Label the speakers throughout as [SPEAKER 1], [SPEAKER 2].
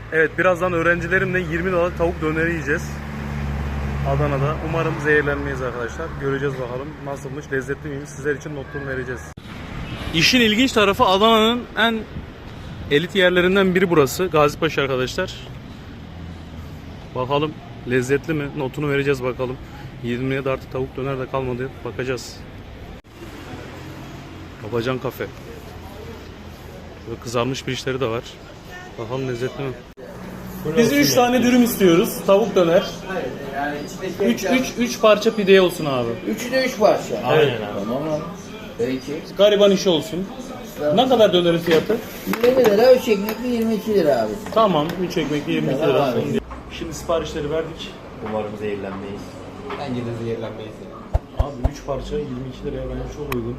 [SPEAKER 1] Evet, birazdan öğrencilerimle 20 dolar tavuk döneri yiyeceğiz. Adana'da. Umarım zehirlenmeyiz arkadaşlar. Göreceğiz bakalım nasılmış, lezzetli miymiş. Sizler için notlarını vereceğiz. İşin ilginç tarafı Adana'nın en elit yerlerinden biri burası. Gazipaşa arkadaşlar. Bakalım lezzetli mi? Notunu vereceğiz bakalım. 20'ye de artık tavuk döner de kalmadı. Bakacağız. Babacan kafe. Böyle kızarmış pirinçleri de var. Bakalım lezzetli mi? Biz 3 tane dürüm istiyoruz. Tavuk döner.
[SPEAKER 2] Yani içindeki
[SPEAKER 1] 3 parça pide olsun abi.
[SPEAKER 2] Üçü de 3 parça.
[SPEAKER 1] Aynen
[SPEAKER 2] abi. Tamam abi. Peki.
[SPEAKER 1] Gariban işi olsun. Ne kadar dönerin fiyatı?
[SPEAKER 2] 20 lira, 3 ekmekli 22 lira abi.
[SPEAKER 1] Tamam, 3 ekmekli 22 lira.
[SPEAKER 2] Tamam abi.
[SPEAKER 1] Şimdi siparişleri verdik.
[SPEAKER 3] Umarım zehirlenmeyiz.
[SPEAKER 2] Bence de zehirlenmeyiz.
[SPEAKER 1] Abi 3 parça 22 liraya bence çok uygun.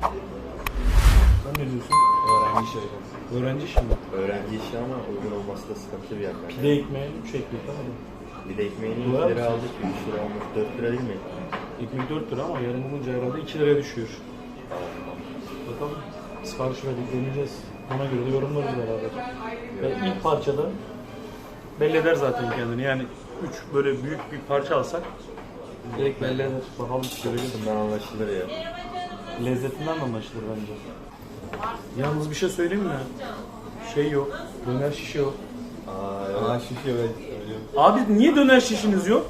[SPEAKER 1] Sen ne diyorsun?
[SPEAKER 3] Öğrenci iş hocam.
[SPEAKER 1] Öğrenci şimdi.
[SPEAKER 3] Öğrenci işi ama uygun olması da sıkıntı bir yer.
[SPEAKER 1] Pide ekmeği 3 ekmek abi.
[SPEAKER 3] Bir de ekmeğini 2
[SPEAKER 1] Dolar
[SPEAKER 3] lira
[SPEAKER 1] mısın?
[SPEAKER 3] aldık. 3 lira olmuş. 4 lira değil mi?
[SPEAKER 1] Ekmek 4 lira ama yarım olunca herhalde 2 liraya düşüyor. Bakalım. Sipariş verdik, deneyeceğiz. Ona göre de yorumlarız beraber. Ve ilk parçada belli eder zaten kendini. Yani 3 böyle büyük bir parça alsak direkt belli eder. Bakalım göreceğiz.
[SPEAKER 3] Bundan anlaşılır ya.
[SPEAKER 1] Lezzetinden de anlaşılır bence. Yalnız bir şey söyleyeyim mi? Şey yok. Döner şişi yok.
[SPEAKER 3] Şişiyor ben söylüyorum.
[SPEAKER 1] Abi niye döner şişiniz yok?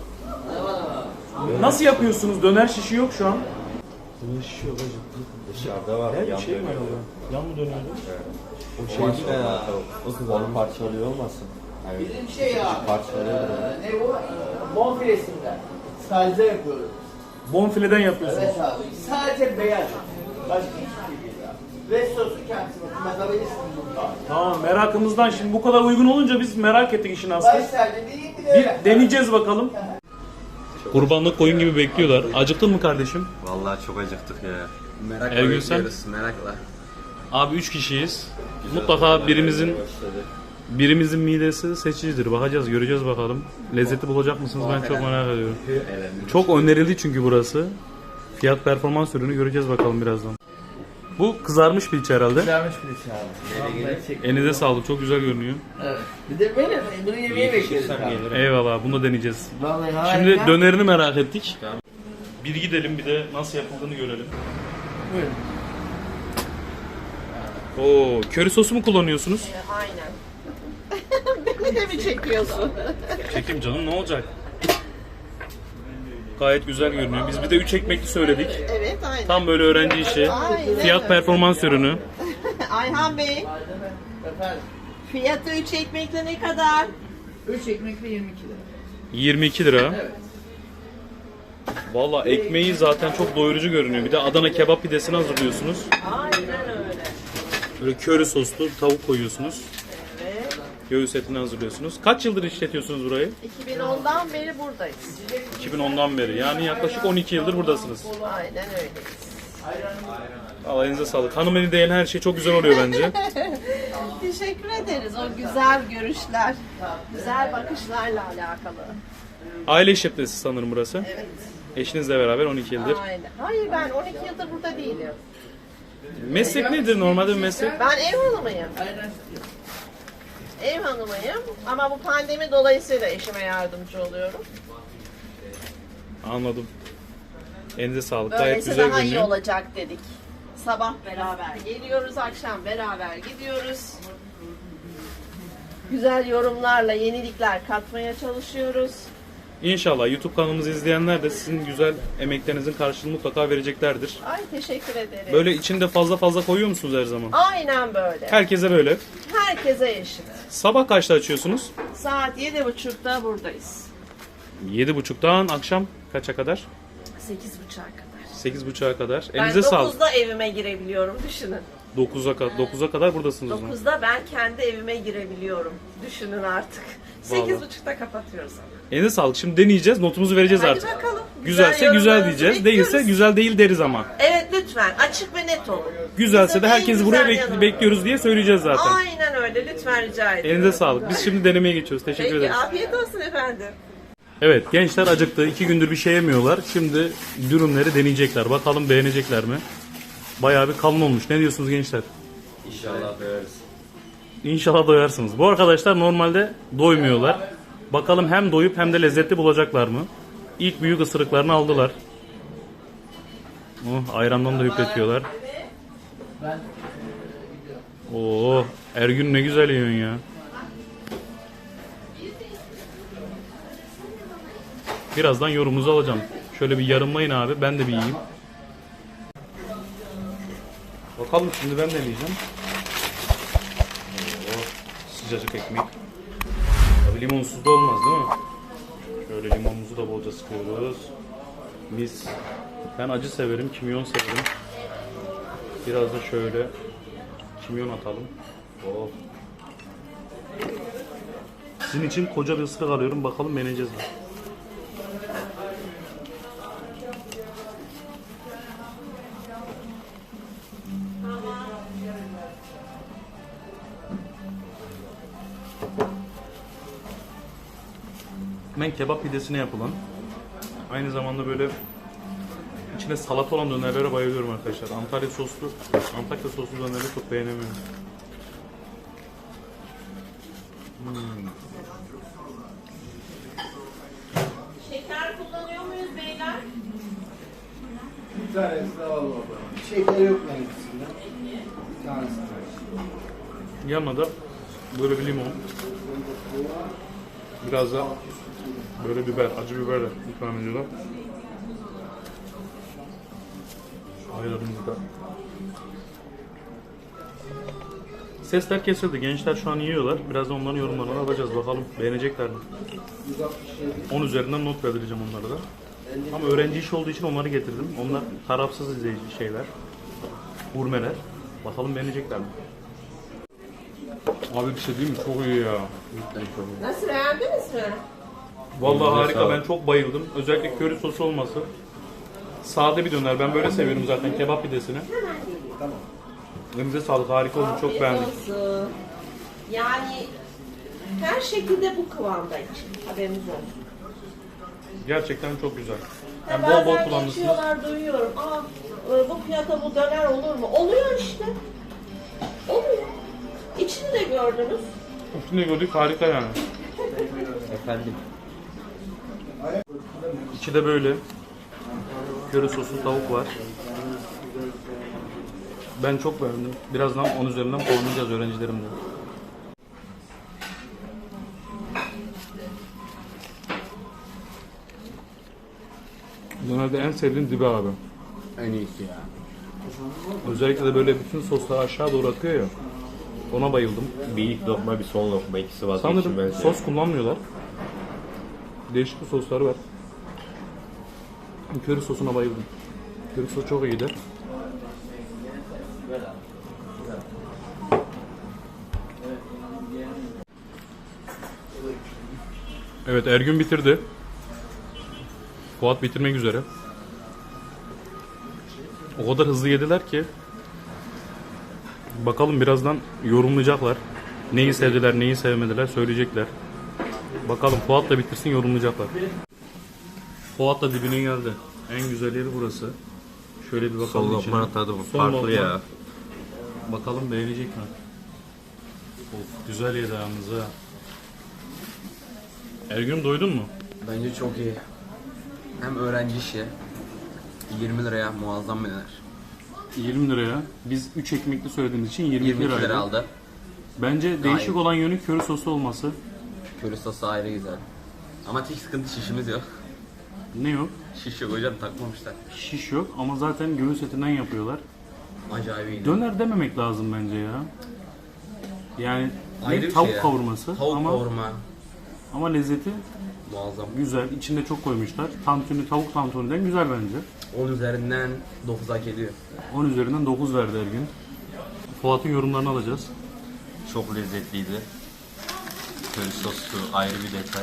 [SPEAKER 1] Nasıl yapıyorsunuz? Döner şişi yok şu an. Döner şişi yok hacım.
[SPEAKER 3] Dışarıda var.
[SPEAKER 1] Her
[SPEAKER 3] yan
[SPEAKER 1] bir şey mi
[SPEAKER 3] dönüyor.
[SPEAKER 1] var? Yan mı dönüyordu?
[SPEAKER 3] O şey değil ya. O kızarın parçalıyor olmasın? Evet.
[SPEAKER 2] Bizim şey ya.
[SPEAKER 3] Parçalıyor.
[SPEAKER 2] Ne bu? Bonfilesinden. Sadece yapıyoruz.
[SPEAKER 1] Bonfileden yapıyorsunuz.
[SPEAKER 2] Evet abi. Sadece beyaz. Başka hiçbir şey değil abi. Ve sosu kendisi. Bakabilirsin burada.
[SPEAKER 1] Tamam, merakımızdan şimdi bu kadar uygun olunca biz merak ettik işin aslını.
[SPEAKER 2] Baş sadece değil bir de
[SPEAKER 1] Bir deneyeceğiz bakalım. Kurbanlık koyun gibi bekliyorlar. Acıktın mı kardeşim?
[SPEAKER 3] Vallahi çok acıktık ya.
[SPEAKER 4] Merakla
[SPEAKER 1] Ergün sen?
[SPEAKER 4] bekliyoruz, merakla.
[SPEAKER 1] Abi 3 kişiyiz. Mutlaka birimizin midesi seçicidir. Bakacağız, göreceğiz bakalım. Lezzeti bulacak mısınız? Ben çok merak ediyorum. Çok önerildi çünkü burası. Fiyat performans ürünü göreceğiz bakalım birazdan. Bu kızarmış piliç herhalde.
[SPEAKER 2] Güzelmiş bir şey abi.
[SPEAKER 1] Elinize sağlık, çok güzel görünüyor.
[SPEAKER 2] Evet. Bir de böyle bunu yemeği bekliyoruz abi.
[SPEAKER 1] Eyvallah, bunu da deneyeceğiz.
[SPEAKER 2] Vallahi
[SPEAKER 1] Şimdi
[SPEAKER 2] harika.
[SPEAKER 1] dönerini merak ettik. Bir gidelim, bir de nasıl yapıldığını görelim.
[SPEAKER 2] Buyurun.
[SPEAKER 1] Oo, köri sosu mu kullanıyorsunuz?
[SPEAKER 5] Aynen. Beni de mi çekiyorsun?
[SPEAKER 1] Çekim canım, ne olacak? Gayet güzel görünüyor. Biz bir de 3 ekmekli söyledik.
[SPEAKER 5] Evet, aynen.
[SPEAKER 1] Tam böyle öğrenci işi.
[SPEAKER 5] Aynen.
[SPEAKER 1] Fiyat performans ürünü.
[SPEAKER 5] Ayhan Bey,
[SPEAKER 2] Efendim.
[SPEAKER 5] fiyatı 3 ekmekle ne kadar?
[SPEAKER 2] 3 ekmekli 22 lira.
[SPEAKER 1] 22 lira.
[SPEAKER 2] Evet.
[SPEAKER 1] Valla ekmeği zaten çok doyurucu görünüyor. Bir de Adana kebap pidesini hazırlıyorsunuz.
[SPEAKER 5] Aynen öyle.
[SPEAKER 1] Böyle köri soslu tavuk koyuyorsunuz.
[SPEAKER 5] Evet.
[SPEAKER 1] Göğüs etini hazırlıyorsunuz. Kaç yıldır işletiyorsunuz burayı?
[SPEAKER 5] 2010'dan beri buradayız.
[SPEAKER 1] 2010'dan beri. Yani yaklaşık 12 yıldır buradasınız.
[SPEAKER 5] Aynen öyleyiz.
[SPEAKER 1] Allah elinize sağlık. Hanımefendi değen her şey çok güzel oluyor bence.
[SPEAKER 5] Teşekkür ederiz o güzel görüşler, güzel bakışlarla alakalı.
[SPEAKER 1] Aile işletmesi sanırım burası.
[SPEAKER 5] Evet.
[SPEAKER 1] Eşinizle beraber 12 yıldır.
[SPEAKER 5] Aynen. Hayır ben 12 yıldır burada değilim.
[SPEAKER 1] Meslek nedir normalde bir meslek?
[SPEAKER 5] Ben ev hanımıyım. Ev hanımıyım ama bu pandemi dolayısıyla eşime yardımcı oluyorum.
[SPEAKER 1] Anladım. Elinize sağlık. Gayet
[SPEAKER 5] Böylesi
[SPEAKER 1] güzel
[SPEAKER 5] daha iyi
[SPEAKER 1] görünüyor.
[SPEAKER 5] olacak dedik. Sabah beraber geliyoruz, akşam beraber gidiyoruz. Güzel yorumlarla yenilikler katmaya çalışıyoruz.
[SPEAKER 1] İnşallah YouTube kanalımızı izleyenler de sizin güzel emeklerinizin karşılığını mutlaka vereceklerdir.
[SPEAKER 5] Ay teşekkür ederim.
[SPEAKER 1] Böyle içinde fazla fazla koyuyor musunuz her zaman?
[SPEAKER 5] Aynen böyle.
[SPEAKER 1] Herkese böyle.
[SPEAKER 5] Herkese eşit.
[SPEAKER 1] Sabah kaçta açıyorsunuz?
[SPEAKER 5] Saat 7.30'da buradayız.
[SPEAKER 1] 7.30'dan akşam kaça kadar?
[SPEAKER 5] 8.30'a kadar.
[SPEAKER 1] 8.30'a kadar.
[SPEAKER 5] Ben
[SPEAKER 1] Elinize sağlık.
[SPEAKER 5] 9'da evime girebiliyorum düşünün.
[SPEAKER 1] 9'a kadar buradasınız o zaman.
[SPEAKER 5] 9'da ben kendi evime girebiliyorum. Düşünün artık.
[SPEAKER 1] Vallahi.
[SPEAKER 5] 8.30'da kapatıyoruz ama.
[SPEAKER 1] Elinize sağlık. Şimdi deneyeceğiz. Notumuzu vereceğiz
[SPEAKER 5] Hadi
[SPEAKER 1] artık.
[SPEAKER 5] bakalım.
[SPEAKER 1] Güzelse güzel
[SPEAKER 5] yorumlarınızı
[SPEAKER 1] diyeceğiz.
[SPEAKER 5] bekliyoruz.
[SPEAKER 1] Değilse güzel değil deriz ama.
[SPEAKER 5] Evet lütfen açık ve net olun.
[SPEAKER 1] Güzelse
[SPEAKER 5] Bize
[SPEAKER 1] de
[SPEAKER 5] en
[SPEAKER 1] herkesi buraya
[SPEAKER 5] güzel yanı.
[SPEAKER 1] bekliyoruz diye söyleyeceğiz zaten.
[SPEAKER 5] Aynen öyle lütfen rica ediyorum.
[SPEAKER 1] Elinize sağlık. Biz şimdi denemeye geçiyoruz. Teşekkür
[SPEAKER 5] Peki
[SPEAKER 1] ederiz.
[SPEAKER 5] afiyet olsun efendim.
[SPEAKER 1] Evet, gençler acıktı. 2 gündür bir şey yemiyorlar. Şimdi dürümleri deneyecekler. Bakalım beğenecekler mi? Bayağı bir kalın olmuş. Ne diyorsunuz gençler?
[SPEAKER 3] İnşallah beğeniriz.
[SPEAKER 1] İnşallah doyarsınız. Bu arkadaşlar normalde doymuyorlar. Bakalım hem doyup hem de lezzetli bulacaklar mı? İlk büyük ısırıklarını aldılar. Oh, ayrandan da hüpletiyorlar. Oo, Ergün ne güzel yiyorsun ya. Birazdan yorumunuzu alacağım. Şöyle bir yarımlayın abi. Ben de bir yiyeyim. Bakalım şimdi ben deneyeceğim. Oo, sıcacık ekmek. Tabii limonsuz da olmaz değil mi? Şöyle limonumuzu da bolca sıkıyoruz. Mis. Ben acı severim, kimyon severim. Biraz da şöyle kimyon atalım. Oh. Sizin için koca bir ısırık alıyorum. Bakalım beğeneceğiz mi? Ben kebap pidesine yapılan, aynı zamanda böyle içine salata olan dönerlere bayılıyorum arkadaşlar. Antalya soslu dönerleri çok beğenemiyorum.
[SPEAKER 5] Şeker kullanıyor muyuz beyler?
[SPEAKER 2] Bir tanesi de alalım. Şeker yok mu hepsinde? Bir tanesi de.
[SPEAKER 1] Yanına da böyle bir limon, biraz da böyle biber, acı biberle ikram ediyorlar. Ayranımızı da. Sesler kesildi. Gençler şu an yiyorlar. Birazdan onların yorumlarını alacağız. Bakalım beğenecekler mi? 10 üzerinden not vereceğim onlara da. Ama öğrenci işi olduğu için onları getirdim. Onlar tarafsız izleyici şeyler. Gurmeler. Bakalım beğenecekler mi? Abi bir şey diyeyim mi? Çok iyi ya.
[SPEAKER 5] Nasıl, beğendiniz mi?
[SPEAKER 1] Vallahi harika. Ben çok bayıldım. Özellikle köri sosu olması. Sade bir döner. Ben böyle seviyorum zaten kebap pidesini.
[SPEAKER 2] Tamam.
[SPEAKER 1] Elinize sağlık. Harika oldu. Çok
[SPEAKER 5] Afiyet
[SPEAKER 1] beğendim.
[SPEAKER 5] olsun. Yani her şekilde bu kıvamda için. Haberiniz olsun.
[SPEAKER 1] Gerçekten çok güzel. Yani
[SPEAKER 5] Bazen
[SPEAKER 1] bol bol kullanmışsınız.
[SPEAKER 5] geçiyorlar, duyuyorum. Bu fiyata bu döner olur mu? Oluyor işte. Oluyor. İçini de gördünüz.
[SPEAKER 1] Üstünde gördük. Harika yani.
[SPEAKER 3] Efendim.
[SPEAKER 1] İçi de böyle. Köri soslu tavuk var. Ben çok beğendim. Birazdan 10 üzerinden puanlayacağız öğrencilerimle. Dönerde en sevdiğim dibi abi.
[SPEAKER 3] En iyisi ya.
[SPEAKER 1] Özellikle de böyle bütün soslar aşağı doğru akıyor ya. Ona bayıldım.
[SPEAKER 3] Bir ilk lokma bir son lokma ikisi vazgeçilmez.
[SPEAKER 1] Sanırım sos kullanmıyorlar. Değişik bir sosları var. Köri sosuna bayıldım. Köri sosu çok iyiydi. Evet, Ergün bitirdi. Fuat bitirmek üzere. O kadar hızlı yediler ki. Bakalım birazdan yorumlayacaklar. Neyi sevdiler, neyi sevmediler söyleyecekler. Bakalım Fuat da bitirsin, yorumlayacaklar. Fuat da dibine geldi. En güzel yeri burası. Şöyle bir bakalım
[SPEAKER 3] Son
[SPEAKER 1] içine.
[SPEAKER 3] lokma tadı bu.
[SPEAKER 1] Son
[SPEAKER 3] Farklı
[SPEAKER 1] lokma.
[SPEAKER 3] ya.
[SPEAKER 1] Bakalım beğenecek mi? Of, güzel yedi yalnız ha. Ergün doydun mu?
[SPEAKER 4] Bence çok iyi. Hem öğrenci işi. 20 liraya muazzam bir döner.
[SPEAKER 1] 20 liraya. Biz 3 ekmekli söylediğimiz için 22
[SPEAKER 4] 22
[SPEAKER 1] liraydı.
[SPEAKER 4] lira aldı.
[SPEAKER 1] Bence değişik
[SPEAKER 4] Gayet.
[SPEAKER 1] olan yönü köri sosu olması.
[SPEAKER 4] Köri sosu ayrı güzel. Ama tek sıkıntı şişimiz yok.
[SPEAKER 1] Ne yok?
[SPEAKER 4] Şiş yok hocam, takmamışlar.
[SPEAKER 1] Şiş yok ama zaten göğüs etinden yapıyorlar.
[SPEAKER 4] Acayip iyi.
[SPEAKER 1] Döner dememek lazım bence ya. Yani
[SPEAKER 4] Ayrı bir
[SPEAKER 1] tavuk
[SPEAKER 4] şey ya.
[SPEAKER 1] kavurması
[SPEAKER 4] Tavuk
[SPEAKER 1] ama
[SPEAKER 4] kavurma.
[SPEAKER 1] ama lezzeti
[SPEAKER 4] Muazzam.
[SPEAKER 1] güzel. İçinde çok koymuşlar. Tantuni, tavuk tantuniden güzel bence.
[SPEAKER 4] 10 üzerinden 9 hak ediyor.
[SPEAKER 1] 10 üzerinden 9 verdi Ergün. Fuat'ın yorumlarını alacağız.
[SPEAKER 3] Çok lezzetliydi. Köri soslu ayrı bir detay.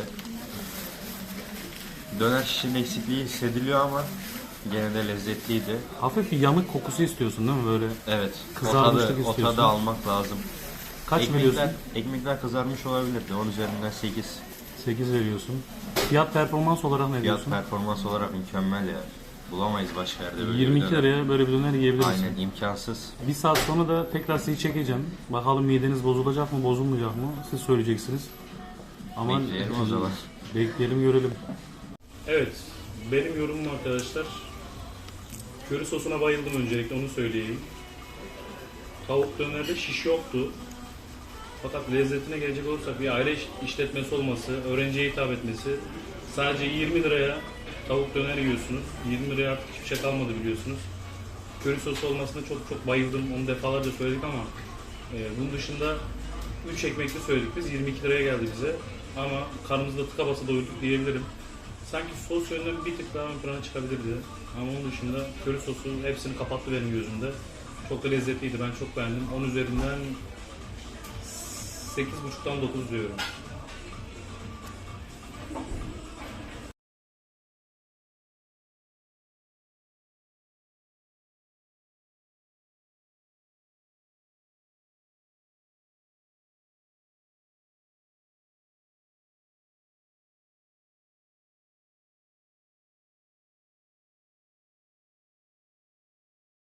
[SPEAKER 3] Döner şişinin eksikliği hissediliyor ama gene de lezzetliydi.
[SPEAKER 1] Hafif bir yanık kokusu istiyorsun değil mi böyle?
[SPEAKER 3] Evet.
[SPEAKER 1] Kızarmışlık
[SPEAKER 3] o
[SPEAKER 1] istiyorsun.
[SPEAKER 3] tadı almak lazım.
[SPEAKER 1] Kaç veriyorsun?
[SPEAKER 3] Ekmekler kızarmış olabilirdi. 10 üzerinden 8.
[SPEAKER 1] 8 veriyorsun. Fiyat performans olarak ne
[SPEAKER 3] Fiyat
[SPEAKER 1] diyorsun?
[SPEAKER 3] performans olarak mükemmel ya. Bulamayız başka yerde böyle
[SPEAKER 1] 22
[SPEAKER 3] bir döner.
[SPEAKER 1] liraya böyle bir döner yiyebiliriz.
[SPEAKER 3] Aynen imkansız.
[SPEAKER 1] Bir saat sonra da tekrar sizi çekeceğim. Bakalım mideniz bozulacak mı, bozulmayacak mı? Siz söyleyeceksiniz. Ama
[SPEAKER 3] Bekleyelim o zaman.
[SPEAKER 1] Bekleyelim, görelim. Evet, benim yorumum arkadaşlar. Köri sosuna bayıldım, öncelikle onu söyleyeyim. Tavuk dönerde şiş yoktu. Fakat lezzetine gelecek olursak bir aile işletmesi olması, öğrenciye hitap etmesi. Sadece 20 liraya tavuk döner yiyorsunuz. 20 liraya artık hiçbir şey kalmadı biliyorsunuz. Köri sosu olmasına çok bayıldım. Onu defalarca söyledik ama bunun dışında 3 ekmekli söyledik biz. 22 liraya geldi bize. Ama karnımızda tıka basa doyduk diyebilirim. Sanki sos yönünden bir tık daha ön plana çıkabilirdi. Ama onun dışında köri sosu hepsini kapattı benim gözümde. Çok da lezzetliydi. Ben çok beğendim. 10 üzerinden 8,5'tan 9 diyorum.